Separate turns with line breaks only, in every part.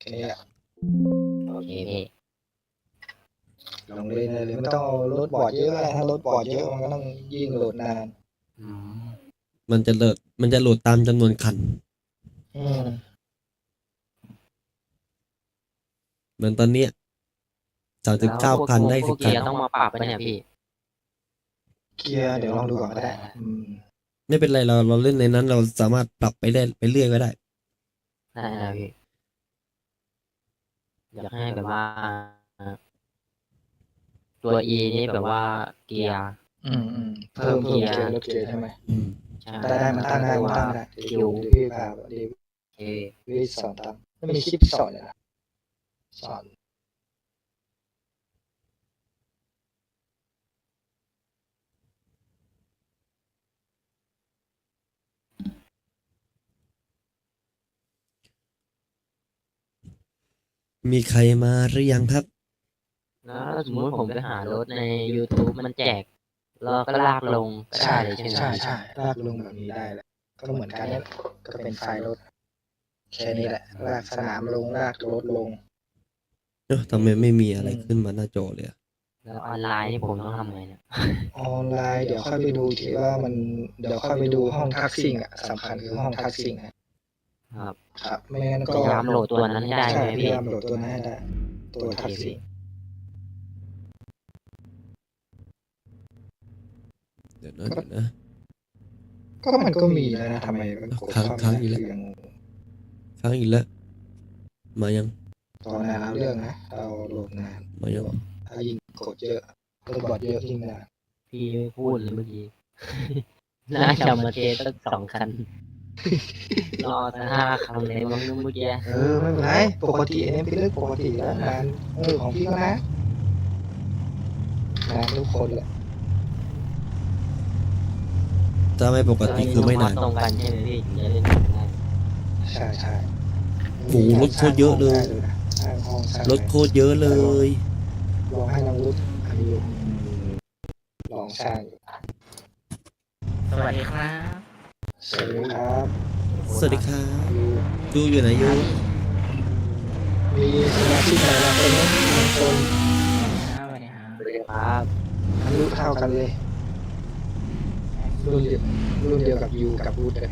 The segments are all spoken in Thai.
แค่นี้แหละ
โอเคพี่
ลงเล่นเลยไม่ต้องเอารถบอร์ดเยอะถ้ารถบอร์ดเยอะมันก็ต้องยิ่งโหลดนาน
อืม
มันจะโหลดตามจำนวนคัน เหมือนตอนเนี้ย39 คันได้
พวก
10 คั
เกี
น
ยร์ต้องมาปรับปะเนี่ยพี่
เกียร์เดี๋ยวลองดูก่อนก็ได้
ไม่เป็นไรเราเล่นในนั้นเราสามารถปรับไปได้ไปเรื่อยก็ได้
ได้นะพี่ อยากให้แบบว่า ตัว E นี่แบบว่าเกียร์
เพิ่มเกียร์ลดเกียร์ใช่ไหม
ใช่
ได้มันตั้งได้มันตั้งได้
คิ
เดี๋ยว
ว
พี่พาเดี๋ยว
โอเค
พี่สอนตามไม่มีคลิปสอนเลยนะสอน
มีใครมาหรือยังครับ
แล้วสมมติผมไปหารถใน YouTube มันแจกเราก็ลากลงก็ได้เลยใช่ไหม
ใช่ลากลงแบบนี้ได้แหละก็เหมือนกันนี่ก็เป็นไฟล์รถแค่นี้แหละลากสนามลงลากรถลง
ทำไมไม่มีอะไรขึ้นมาหน้าจอเลยอะ
แล้วออนไลน์นี่ผมต้องทำไงเนี่ย
ออนไลน์เดี๋ยวค่อยไปดูทีว่ามันเดี๋ยวค่อยไปดูห้องทักซิ่งอ่ะสำคัญคือห้องทักซิ่ง
ครับ
ครับไม่งั้น
พ
ก็
ยายามโหลดตัวนั้นให้ได้
ใช่
ไหม
พ
พี่
ยายามโหลดตัวนั้นให้ได้ตัวทักซิ่ง
เดี๋ยวนะ
ก็มันก็มีแล้วนะทำไมมันกด
ค้างอีกแล้ว
ยัง
ค้างอีกแล้ว มายัง
ตอนนั้นเอาเรื่องนะเราโหลดนาน
มายัง
ถ้ายิ่งกดเยอะกดบอดเยอะยิ่งนาน
พี่ไม่พูดเลยเมื่อกี้ น่าจะมาเทสสัก2 คัน รอสัก5 คันเลยมั้งเมื่อกี้
ไม่เป็นไรปกติอันนี้เป็นเรื่องปกติแล้วนานของพี่ก็นะนานทุกคนแหละ
ถ้าไม่ปกติคือไม่นาน
ตรงกันใช่ไหมพี่ถึงจะเล่นได้
ใช่
โอ้โหรถโคตรเยอะเลย
สร้างห้องสร้าง
รถโคตรเยอะเลย
ลองให้น้องรุดอันนี้ลองสร้าง
สวัสดีครับ
สวัสดีครับ
สวัสดีครับยูอยู่ไหนยู
มีสมาชิกใหม่มาคนนึงคน
สวัสดีครับสวัสดีครับ
อายุเท่ากันเลย รุ่นเดียวกับยูกับรุดเลย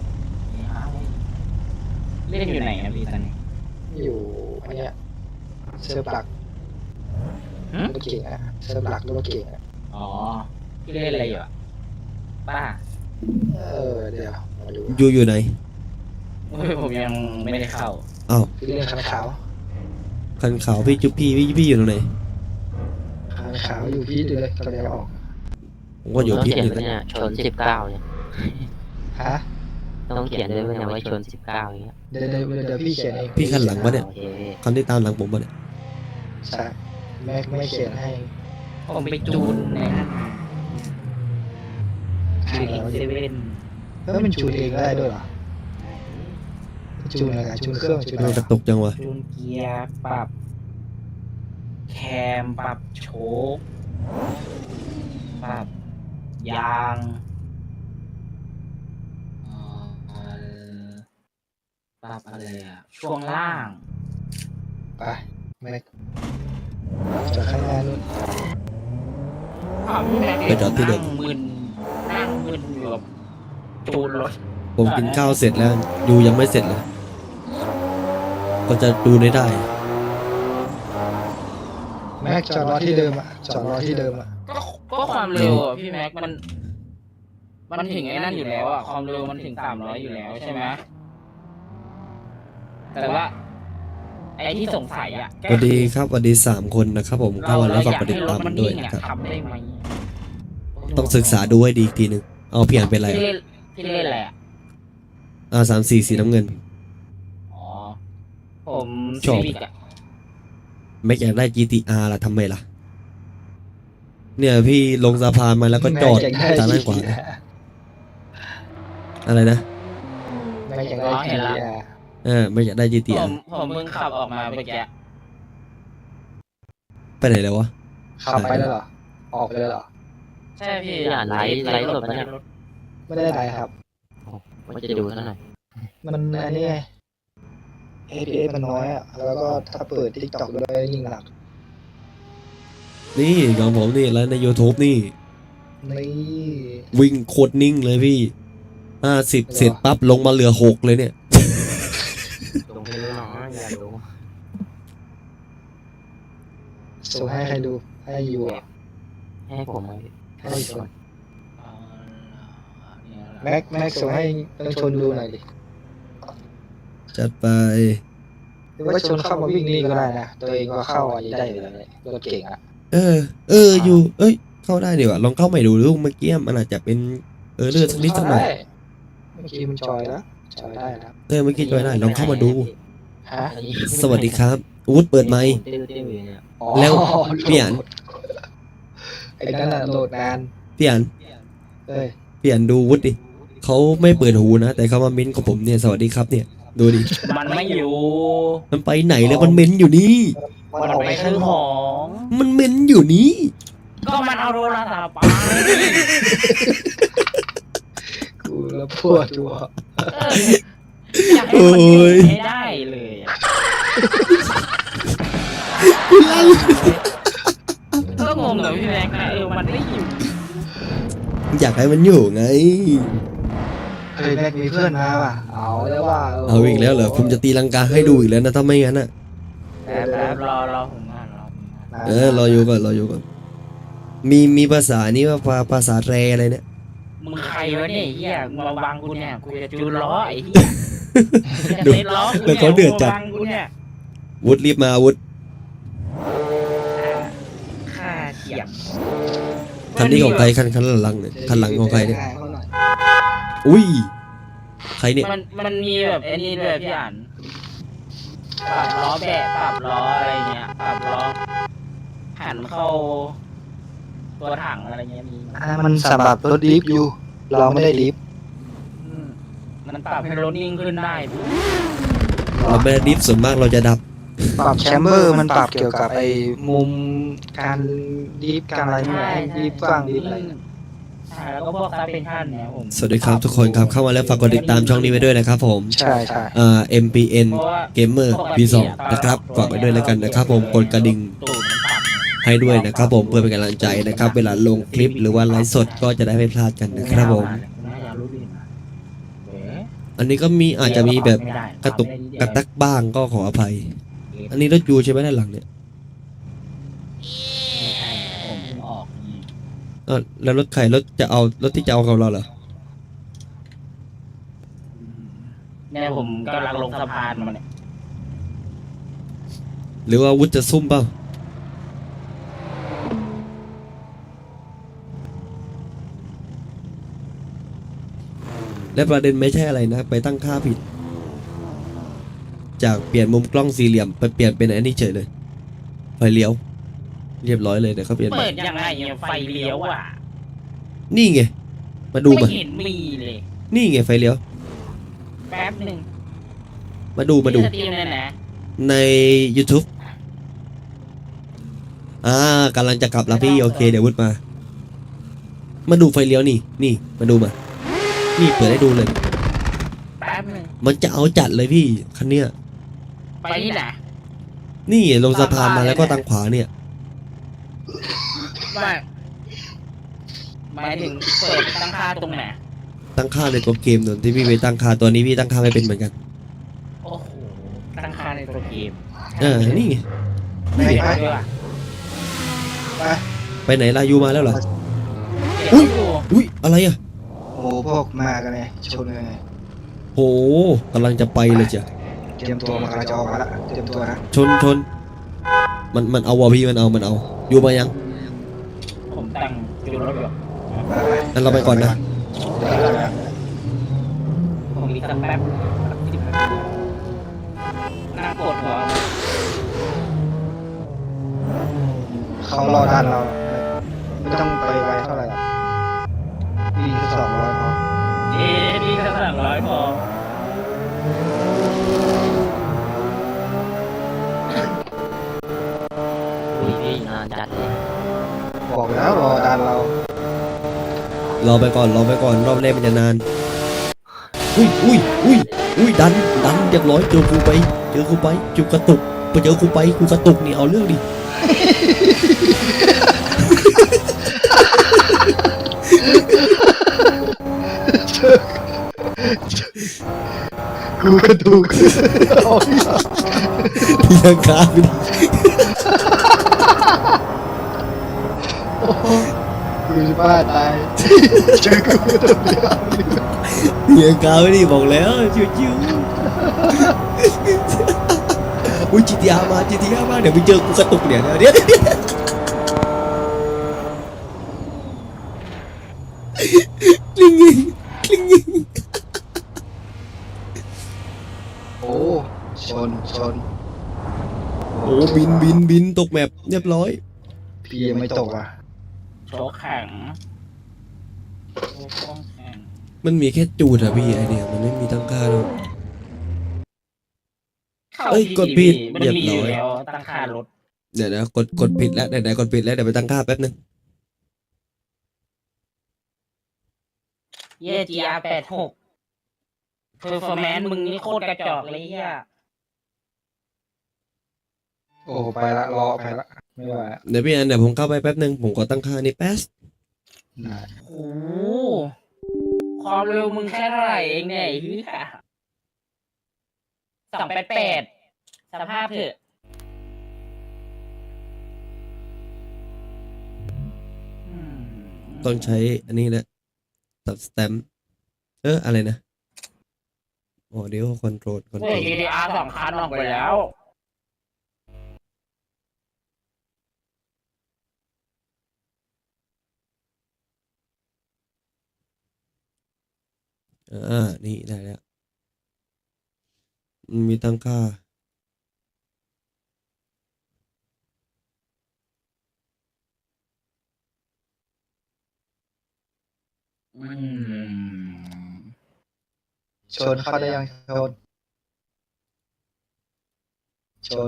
เล่นอยู่ไหนครับพี่ตอนนี้
อยู่อันเนี้ยเซิร์ฟหลักรถเก่งอะเซิร์ฟหลักรถเก่งอะ
อ๋อพี่เล่นอะไรอยู่อ่ะป้า
เดี๋ยวมาดู
ยูอยู่ไหน
ผมยังไม่ได้เข้า
อ้าว
พี่เล่นคันขาว
คันขาวพี่จุ๊บพี่อยู่ตรงไหน
คันขาวอยู่พี่ดูเลยกำลังจะออก
ผมก็อยู่
ต้อง
พี่
เขียน
นี่
ไว้
แหละ
เนี่ยชน19เนี่ย
ฮะ
ต้องเขียนด้วยว่าเนี่ยว่าชน19อย่างเงี้ย
เดี๋ยวพี่เขียนเอง
พี่คันหลังปะเนี่ย
โอเคพี่
คันที่ตามหลังผมปะเนี่ย
ใช่ไม่เขียนให้
ผมไปจูนในนั้นจูนเซเว่น
มันจูนเองได้ด้วยเหรอจูนอะไรจูนเครื่องจูน
เรา
อะไร
กระตกจังวะ
จูนเกียร์ปรับ แคมปรับโชคปรับยางปรับอะไรอ่ะ ช่วงล่าง
ไปแม็กจากข้างหน้านู่น
ไปจอดที่เดิม
นั่งมึนอยู่กับจูนรถ
ผมกินข้าวเสร็จแล้วยูยังไม่เสร็จเลย ก็จะดูได้
แม็กจอดรอที่เดิมอ่ะจอดรอที่เดิมอ่ะ
ก็ความเร็วอ่ะพี่แม็กมันถึงไอ้นั่นอยู่แล้วอ่ะความเร็วมันถึง300อยู่แล้วใช่ไหมแต่ว่า ไอ้ที่สงสัยอ่ะ
สวัสดีครับสวัสดี3 คนนะครับผมเข้ามาแล้วฝากกดติดตามด้วยนะครับ
ทำได้ไหม
ต้องศึกษาดูให้ดีอีกทีหนึงเอาพี่อ่านเป็นอะไร
พี่เล่นอะไรอ่ะ
R34 สีน้ำเงิน
อ๋อ ผม
ชอบ
Civic อ่ะ
ไม่อยากได้ GTR ล่ะทำไมล่ะ เนี่ยพี่ลงสะพานมาแล้วก็จอด
แม็ก
ทางด้านขวานะอะไรนะ
แม็กอยากได้ GTR
ไม่อยากได้
ผ
GTR
มเพิ่งขับออกมาเมื่อกี้
ไปไหนแล้ววะ
ขับไปแล้วเหรอออกไปแล้วเหรอ
ใช่พี่
พี่อ่านไลฟ์สดมาเนี่ย
ไม่ได้ไรครับ
ว่าจะดูซะหน่อย
มันอันนี้ไง FPS มันน้อยอ่ะแล้วก็ถ้าเปิด TikTok ด้วยยิ่งหนัก
นี่ของผมนี่แล้วใน YouTube นี่
นี่
วิ่งโคตรนิ่งเลยพี่50เสร็จปั๊บลงมาเหลือ6เลยเนี่ย
ลงไปรู้หนออย่ารู้
ส่งให้ใครดูให้อยู่อ่ะ
ให้ผมมา
ให้ชนแม็กส่งให้ต้องชนดูหน่อยดิ
จัดไป
หรือว่าชนเข้ามาวิ่งนี่ก็ได้นะตัวเองก็เข้าอาจจะได้เลยรถเก่งอ่ะ
อยู่เข้าได้ดีกว่าลองเข้าใหม่ดูลูกเมื่อกี้มันอาจจะเป็นเลือดนิดสักหน่อย
เมื่อกี้มันจอยแล้วจอยได้แล้ว
เมื่อกี้จอยได้ลองเข้ามาดู
ฮะ
สวัสดีครับอู๊ดเปิดไมค์
ติ้วอยู่เนี่ย
อ๋อ
แล้วพี่อัน
ไอ้นั่นน่ะโหลดนาน
พี่อัน
เอ้ย
พี่อันดูวุฒิดิเขาไม่เปิดหูนะแต่เขามาเม้นกับผมเนี่ยสวัสดีครับเนี่ยดูดิ
มันไม่อยู่
มันไปไหนแล้วมันเม้นอยู่นี่
มันออก
ไป
ไป
ซื้
ข้า
อง
น
ข
อก
อง
มันเม้นอยู่นี่
ก็มันเอาโทรศัพท์ไป
กูแล้วปวดหัว
อยากให้มันอยู่ให้ได้เลยอะก็งงกับพี่แม็กซ์นะมันไม่อยู่
อยากให้มันอยู่ไง
เฮ้ยแม็กมีเพื่อนมาว่ะเอาแล้วว่า
เอาอีกแล้วเหรอผมจะตีลังกาให้ดูอีกแล้วนะถ้าไม่งั้นอ่ะ
แป๊บรอผมงานรอผมงาน
รออยู่ก่อนมีภาษานี้ว่าภาษาแรอะไรเนี่ย
มึงใครวะเนี่ยไอ้เฮียมึงมาบังกูเนี่ยกูจะจูนล้อไอ้เฮียจะเซ็ตล้อกู
เดี๋ยวเขาเดือดจัด
มึงมาบังกูเนี่ย
วุฒิรีบมาวุฒิ
ค่าเสียง
คันนี้ของใครคันหลังเนี่ยคันหลังของใครเนี่ย
เขาหน่อย
อุ้ยใครเนี่ย
มันมีแบบไอ้นี่ด้วยพี่อ่านปรับล้อแบะปรับล้ออะไรเงี้ยปรับล้อหันเข้าตัวถังอะไรเงี้ยมี
มันสำหรับรถดิฟอยู่ เราไม่ได้ดิฟ
อืมมันปรับให้รถนิ่งขึ้นได้พี่
เราไม่ได้ดิฟส่วนมากเราจะดับ
ปรับแชมเบอร์มันปรับเกี่ยวกับไอ้มุมการดิฟการอะไรนี่แหละให้ดิฟกว้างดิฟอะไร
ใช่แล้วก็พวกซับเป็นชั่นเนี่ยผม
สวัสดีครับทุกคนครับเข้ามาแล้วฝากกดติดตามช่องนี้ไว้ด้วยนะครับผม
ใช่ใช่
MPN
เพราะว่า
Gamer V2 นะครับฝากไว้ด้วยแล้วกันนะครับผมกดกระดิ่ง
ตูดมันปรับ
ให้ด้วยนะครับผมเพื่อเป็นกำลังใจนะครับเวลาลงคลิปหรือว่าไลฟ์สดก็จะได้ไม่พลาดกันนะครับผม
น่าจะรู้ดีนะเอ๊ะ
อันนี้ก็มีอาจจะมีแบบกระตุกกระตักบ้างก็ขออภัย อันนี้รถยูใช่ไหมด้านหลังเนี่ย
ไม่ใช่ผมเพิ่งออกนี่
แล้วรถใครรถจะเอารถที่จะเอากับเราเหรอ
เนี่ยผมกำลังลงสะพานมาเนี่ย
หรือว่าวุฒิจะซุ่มเปล่าและประเด็นไม่ใช่อะไรนะ ไปตั้งค่าผิด จากเปลี่ยนมุมกล้องสี่เหลี่ยมไปเปลี่ยนเป็นอันนี้เฉยเลย ไฟเลี้ยว เรียบร้อยเลยเดี๋ยวเขาเปลี่ยนใหม่
เปิดยังไงเนี่ยไฟเลี้ยวอ่ะ
นี่ไง มาดู
ไม่
มา
เห็นมีเลย
นี่ไงไฟเลี้ยว
แป๊บหนึ่ง
มาดู
ที่สตรีมเนี่ยนะ
ใน YouTube กำลังจะกลับแล้วพี่โอเคเดี๋ยววุฒิมาดูไฟเลี้ยวนี่มาดูมา นี่เปิดให้ดูเลย
แป๊บหนึ่ง
มันจะเอาจัดเลยพี่คันเนี้ย
ไปที่ไหน
นี่ลงสะพานมาแล้วก็ทางขวาเนี่ย
ว่าหมายถึงเปิดตั้งค่าตรงไหน
ตั้งค่าในตัวเกมส่วนที่พี่ไปตั้งค่าตัวนี้พี่ตั้งค่าไม่เป็นเหมือนกัน
โอ้โหตั้งค่าในตัวเกม
นี่ไง
ไป
นี่ไง
ไป
ด้วยว่ะ
ไป
ไปไหนลายูมาแล้วเหรอ
เก็บอยู่
อุ้ยอะไรอ่ะ
โอ้พวกมากันเลยชนกันเลย
โหกำลังจะไปเลยจ้ะ
เตรียมตัวมันกำลังจะออกมาละเตรียมตัวนะ
ชนมันเอาวะพี่มันเอาอยู่มายัง
ผมแต่งจูนรถอยู่
งั้นเราไปก่อนนะ
ผมมีสักแป๊บนั่งกดหัว
เขารอด้านเราไม่ต้องไปไวเท่าไหร่หรอกวิ่งแค่200พอ
ดีแค่300พอ
พี่นานจัดเลย
บอกแล้วรอด้านเรา
รอไปก่อนรอบแรกมันจะนาน อุ้ยอุ้ยดันเรียบร้อยเจอกูไปจุกกระตุกไปเจอกูไปกูกระตุกนี่เอาเรื่องดิ
กูกระดูกเอาอีกแล้ว
ตีลังกาไปดิ
กูจะบ้าตายเจอกูกระดูกเดียว
ตีลังกาไปดิบอกแล้วชิวๆอุ้ย GTA มาเดี๋ยวไปเจอกูกระตุกเนี่ยเดี๋ยวคลิงยิง
โอ้ชน
โอ้บินตกแมปเรียบร้อย
พี่ยังไม่ตกอ่ะ
โชว์แข็งโชว์กล้องแข็ง
มันมีแค่จูดอะพี่ไอเนี่ยมันไม่มีตั้งค่าหรอก เอ้ยกดผิด
มัน
เรียบ
มี
ร้
อ
อย
ยู่แล้วตั้งค่ารถ
เดี๋ยวนะกดผิดแล้วไหนๆกดผิดแล้วเดี๋ยวไปตั้งค่าแป๊บนึง
เย่ GR86 performance มึงนี่โคตรกระจอกเลยเฮีย
โอ้ไปละรอไปละไม่ไหวละ
เดี๋ยวพี่อันเดี๋ยวผมเข้าไปแป๊บนึงผมขอตั้งค่านี่แป๊บ
ได้
โอ้โหความเร็วมึงแค่เท่าไหร่เองเนี่ยไอ้เฮีย288สภาพเถอะ
ต้องใช้อันนี้แหละตัดสแตมป์อะไรนะเดี๋ยวคอนโทรล
เฮ้ย GTR 2 คันออกไปแล้ว
นี่ได้แล้วมันมีตั้งค่า
ชนเข้าได้ยังชน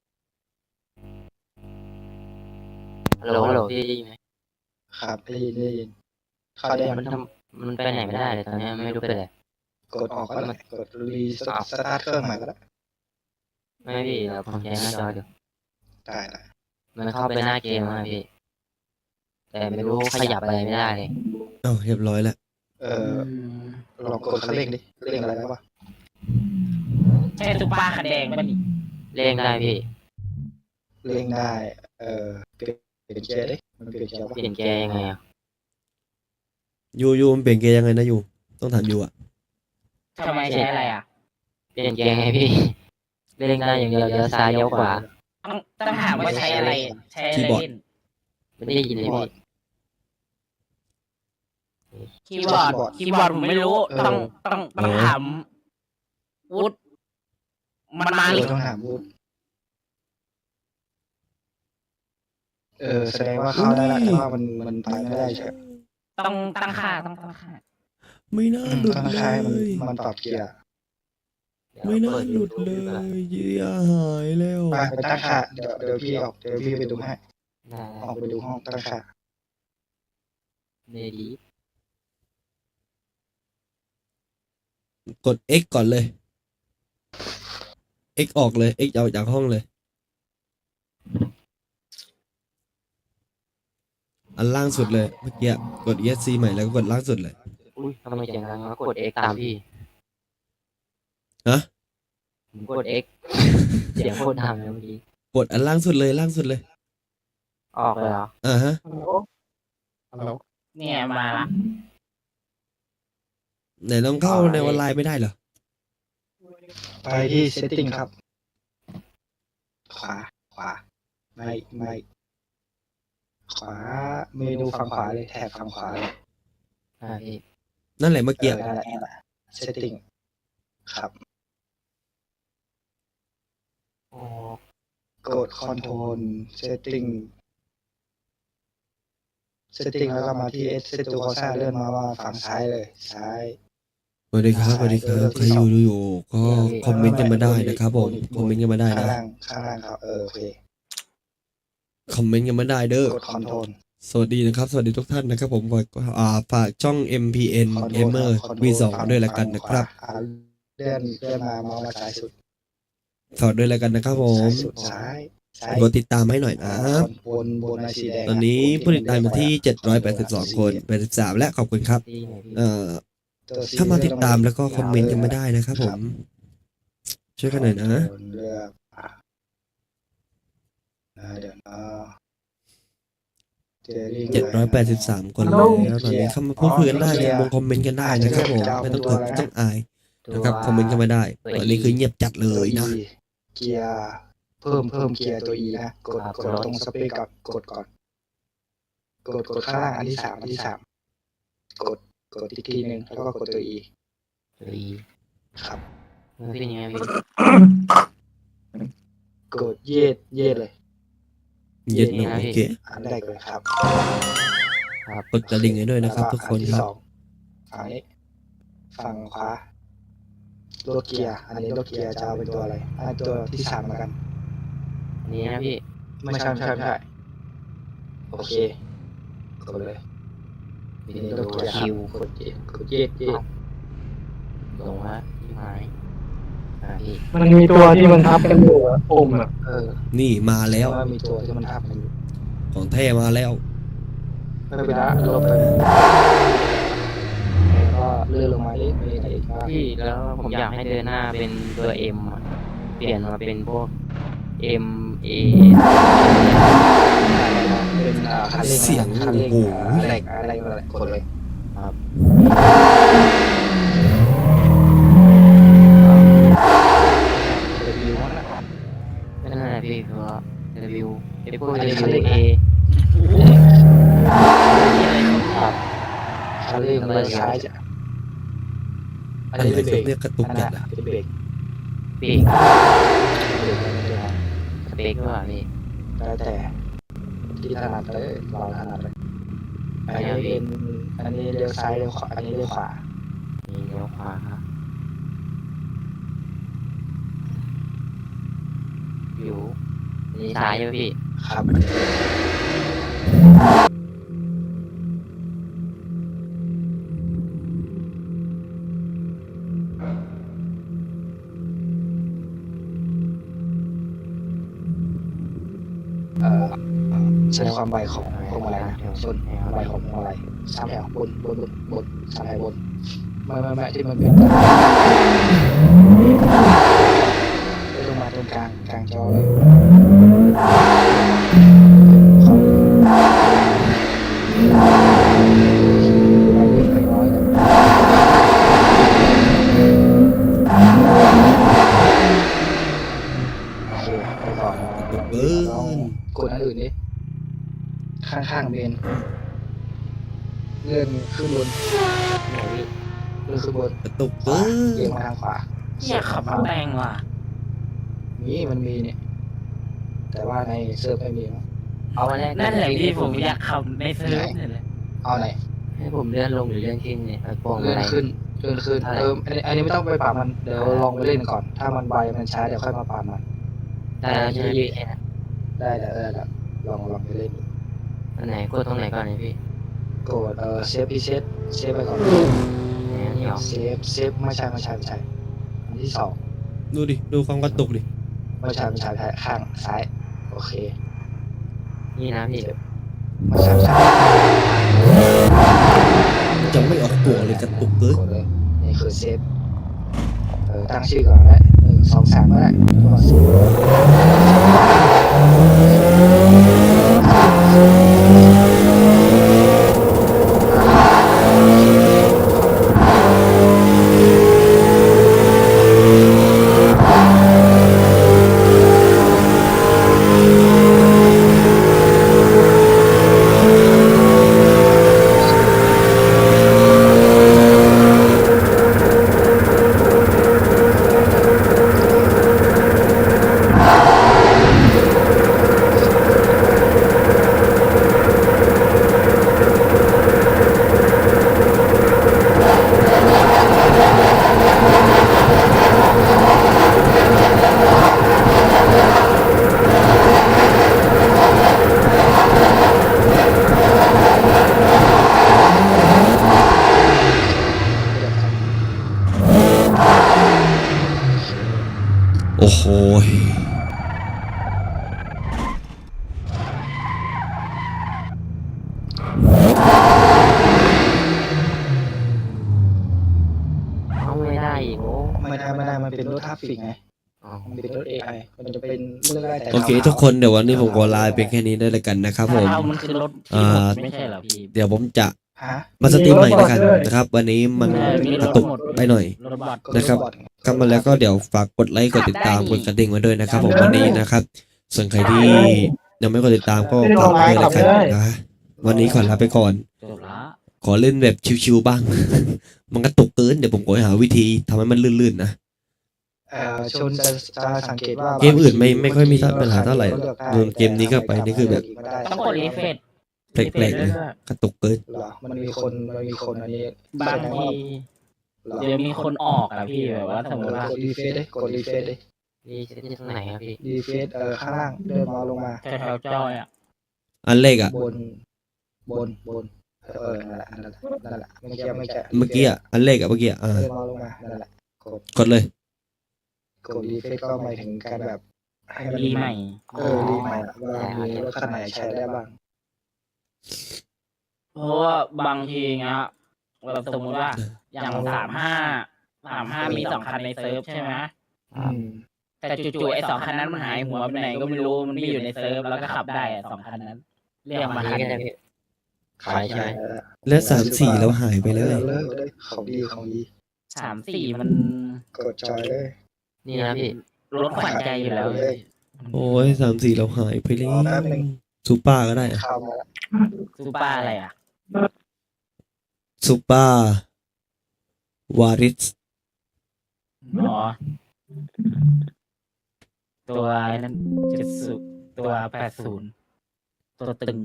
ฮัลโหลพี่ได้ยินไหม
ครับได้ยินเข้าได้ยัง
มันไปไหนไม่ได้เลยตอนนี้ไม่รู้ไปไหน
กดออกก็ได้กดรีสตาร์ทเครื่องใหม่ก็ได้
ไม่พี่เราผมใช้หน้าจออยู่
ได้
มันเข้าไปหน้าเกมมาพี่ แต่ไม่รู้ขยับอะไรไม่ได้เลย
เรียบร้อยแล้ว
ลองกดคันเร่งดิเร่งอะไรได้ปะ
ใช่ซุปเปอร์คันแดงป่ะนี่
เล่นได้พี่
เร่งได้เปลี่ยนเกียร์ดิมันเปลี่ยนเกียร์ปะ
เปลี่ยนแกร์ยังไงอ่ะ
ยูมันเปลี่ยนเกียร์ยังไงนะยูต้องถามยูอ่ะ
ทำไมใช้อะไรอ่ะ
เปลี่ยนแกร์ไงพี่ เล่นได้อย่างเดียวเลี้ยวซ้ายเลี้ยวขวา
ต้องถามว่าใช้อะไรใช้อะไรเล่น
ไม่ได้ยินเลยพี่
คีย์บอร์ดผมไม่รู้ ต้องถามวุฒมันมาหรือ
ต้องถามพูดแสดงว่าเข้าได้ละแต่ว่ามันไปไม่ได้ใช่
ต้องตั้งค่า
ไม่น่าหลุด
ต้อง
เล
ใช้
ย
มันปรับเกียร์
ไม่น่าหลุดเลยเยียหายแล้ว
ไปตั้งค่าเดี๋ยวพี่ออกเดี๋ยวพี่ไปดูให้
ได้
ออกไปดูห้องตั้งค่า
เดดี
กด X ก่อนเลย X ออกเลย X เอาจากห้องเลย อันล่างสุดเลยเมื่อกี้กด ESC ใหม่แล้วก็กดล่างสุดเลย
อุ้ยทำไมเสียงดังวะกด X ตามพี่
ฮะ
ผมกด X เสียงโคตรดังเลยเมื่อกี้
กดอันล่างสุดเลยล่างสุดเลย
ออกเลยเหรอ
ฮะ
เนี่ยมาละ
ไหนลองเข้าในออนไลน์ไม่ได้เหรอ
ไปที่ setting ครับ ขวาไม่ขวาเมนูฝั่งขวาเลยแถบฝั่งขวาเลย
พี่
นั่นแหละเมื่อกี้
นั่นแหละ setting ครับ
อ๋อ
กด control setting แล้วก็มาที่ set to corsa เลื่อนมาว่าฝั่งซ้ายเลยซ้าย
สวัสดีครับใครอยู่ก็คอมเมนต์กันมาได้นะครับผมคอมเมนต์กันมาได้
ข้าง
นะ
ล่างครับโอเค
คอมเมนต์กันมาได้เด้อก
ด control
สวัสดีนะครับ สวัสดีทุกท่านนะครับผมฝากช่อง MPN Gamer V2 ด้วยละกันนะครับ
เลื่อนมามองมาซ้ายสุด
ฝากด้วยแล้วกันนะครับผม
ซ้ายสุดซ้าย
กดติดตามให้หน่อยนะ
บนมาสีแดง
ตอนนี้ผู้ติดตามมาที่782 คน83และขอบคุณครับ
ตีหน่อยพี่
ถ้ามาติดตามแล้วก็คอมเมนต์กันไม่ได้นะครับผม ช่วยกันหน่อยนะ
เลือกเดี๋ยวนะ
783 คนแล้วตอนนี้เข้ามาพูดคุยกันได้เลยคอมเมนต์กันได้นะครับผมไม่ต้องเขินไม่ต้องอายนะครับคอมเมนต์กันมาได้ตอนนี้คือเงียบจัดเลยนะ
เกียร์เพิ่มเกียร์ตัว E นะกดตรงสเปคกับกดก่อนกดข้างล่างอันที่สามกดอีกทีหนึ่งแล้วก็กดตัว E
ตี
ครับ
มันเป็นยังไงพี่
กดเย็ดเลย
เย็นนะโอเค
อันแรกเลยครับ
กดกระดิ่งให้ด้วยนะครับทุกคน
อัที่
ครับ
สองฝั่งนี้ฝั่งขวาโลดเกียร์อันนี้โลดเกียร์จะเอาเป็นตัวอะไรอันตัวที่สามแล้วกัน
อันนี้นะพี่
ไม่ใช่โอเคกดเลย
เป็น
นี่
ตั
โลด
ว
เกียร์
คิว
กดเย็ด
ลงละที่หายพี่
มันมีตัวที่มันทับกันอยู่อะปุ่มอะ
นี่มาแล้ว
ว่ามีตัวที่มันทับมันอยู่
ของแท้มาแล้ว
ไม่เป็นไรลบไปแล้วก็เลื่อนลงมาเล็กไปอีกว่า
พี่แล้วผมอยากให้เดินหน้าเป็นตัวเอ็มเปลี่ยนมาเป็นพวก M A
เป็นคันเร่ง
เสียง
คันเร่ง
โอ้โห
อะไรกดเลย
ครับ
วิวนะ
ก็นั่นแหละพี่เพราะ W ไอ้พวก W A ครับ
คันเร่งไปซ้ายจ้ะอัน
อะไร
นี้เป็นเบรก
เรียกกระตุก
อัน
จั
นั้
ด
น
อะ
เป็นเบรก
ปีก
เบรกไม่ได้ครับ
สเปกว่าพี่
แล้วแต่ที่ถนัดเลยเราถนัดเลยอันนี้เป็นอันนี้เลี้ยวซ้ายเลี้ยวขวาอันนี้เลี้ยวขวา
นี่เลี้ยวขวาครับอยู่นี่ซ้ายอยู่พี่
ครับเส้นความไวของพวงมาลัยนะส่วนไวของพวงมาลัยสามแถวบนสามแถวบนไม่ที่มันเป็นไปลงมาตรงกลางจอเลยเข้าไปน้อยโอเคไปก่อน
เบิ้
ลอง
ล
กดอันอื่นดิข้างเบนเลื่อนขึ้นบน
ไหนพี่
เลื่อนขึ้นบน
กระตุก
ขวา
เบิ้
เอียง
ล
มาทางขวา
อยากขับมาแรงว่ะ
มันมีเนี่ย แต่ว่าในเซิร์ฟไม่มีมั้ง
เอามาแรก
นั่นแหละพี่ผมอยากขับในเซิร์ฟเนี่ยแหละ
เอาไหน
ให้ผมเลื่อนลงหรือเลื่อนขึ้นเนี่ยไอ้พวง
เลื่
อะ
อน
ไร
ขึ้นอันนี้ไม่ต้องไปปรับมันเดี๋ยวลองไปเล่นก่อน ถ้ามันไวมันช้าเดี๋ยวค่อยมาปรับมัน
ได้แล้วใช่ไหมพี่แค่นั้น
ได้ลองไปเล่นดู
อันไหนกดตรงไหนก่อนเนี่ยพี่
กดเซฟพีเซฟไปก่อน
อันนี้เหรอ
เซฟไม่ใช่อันที่สอง
ดูดิดูความกระตุกดิ
ไม่ใช่ข้างซ้ายโอเค
นี่นะพี่
ไม่ใช่
จะไม่ออกตัวเลยกระตุกเกิน
กดเลยนี่คือเซฟตั้งชื่อก่อนได้1 2 3ก็ได้ตัวเซฟ
อ้โห
เอาไม่ได้อีกโอ้
ไม่ได้มันเป็นรถทราฟฟิกไง
อ๋อ
มันเป็นรถ AI มันจะเป็นเรื่องได้แต่
โอเค ทุกคนเดี๋ยววันนี้ผมขอลาไปแค่นี้ได้เลยกันนะครับผม
เอามันคือรถที่หมดไม่ใช่เหรอพี่
เดี๋ยวผมจะ
ฮะ
มาสตรีมใหม่แล้วกันนะครับ วันนี้มัน
มี
ก
ร
ระ
ถ
ตุก
หมด
ไปหน่อย
รถบอด
นะครับ เข้ามาแล้วก็เดี๋ยวฝากกดไลค์กดติดตามกดกระดิ่งไว้ด้วยนะครับผมวันนี้นะครับ ส่วนใครที่ยังไม่กดติดตามก็ฝากไว้แล้วกันนะวันนี้ขอลาไปก่อน
จบละ
ขอเล่นแบบชิวๆบ้าง มันกระตุกเกินเดี๋ยวผมขอหาวิธีทำให้มันลื่นๆนะ
ชนจะสังเกตว่า
เกมอื่นไม่ค่อยมีปัญหาเท่าไหร่เกมนี้ก็ไปนี่คือแบบ
ต้องกดรีเฟรช
แปลกๆเลยกระตุกเกิน
เหรอมันมีคนอันนี้
บางทีเดี๋ยวมีคนออกอะพี่แบบว่าสมมติว่าก
ดรีเฟซดิกดรีเฟซดิ
นี่ที่ตรงไหนครับพี่
รีเฟซข้างล่างเดินมาลงมา
แถวๆจอยอะ
อันเลขอ่ะ
บนนั่นแหละไม่ใช่
เมื่อกี้อ่ะอันเลขอ่ะเมื่อกี้อ่ะ
เดินมาลงมานั่นแหละ
กดเลย
กดรีเฟซก็หมายถึงการแบบให้มัน
รีใหม่
รีใหม่ว่ามีรถคันไหนใช้ได้บ้าง
เพราะว่าบางทีเงี้ยแบบสมมติว่าอย่าง35มี2 คันในเซิร์ฟใช่ไหมแต่จู่ๆไอ้2 คันนั้นมันหายหัวไปไหนก็ไม่รู้มันไม่อยู่ในเซิร์ฟแล้วก็ขับได้อะ2 คันนั้น เรียกมา
อัน
คัน
นี้ก็ได้พี่ขายใช่ไหม
แล้ว3-4แล้วหายไปเลย
เลิกเลยของดี
3-4มัน
กดจอยเลย
นี่นะพี่
รถขวัญใจอยู่แล้ว
โอ้ย3-4แล้วหายไปเลยซูเปอร์ก็ได้อะ
เข้ามา
ซูเปอร์อะไรอ่ะ
ซูเปอร์วาริส
อ๋อตัวนั้น70ตัว80ตัวตึง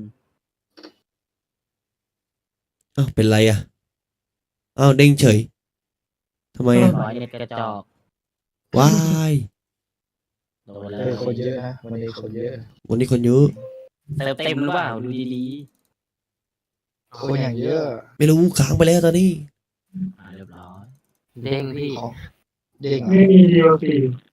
อ้าวเป็นไรอ่ะอ้าวเด้งเฉยทำไมอ่ะ
ร้อยเน็ตกระจอก
ว้าย
โดนเล
คนเย
ย
อะฮะวันนี้คนเยอะ
วันนี้คนเยอะ
เซิร์ฟเต็มหรือเปล่าดูดี
คนอย่างเยอะ
ไม่รู้ค้างไปแล้วตอนนี้
ๆเรียบร้อย
เด้งพี่
ของเด้ง
ไม่มี DLC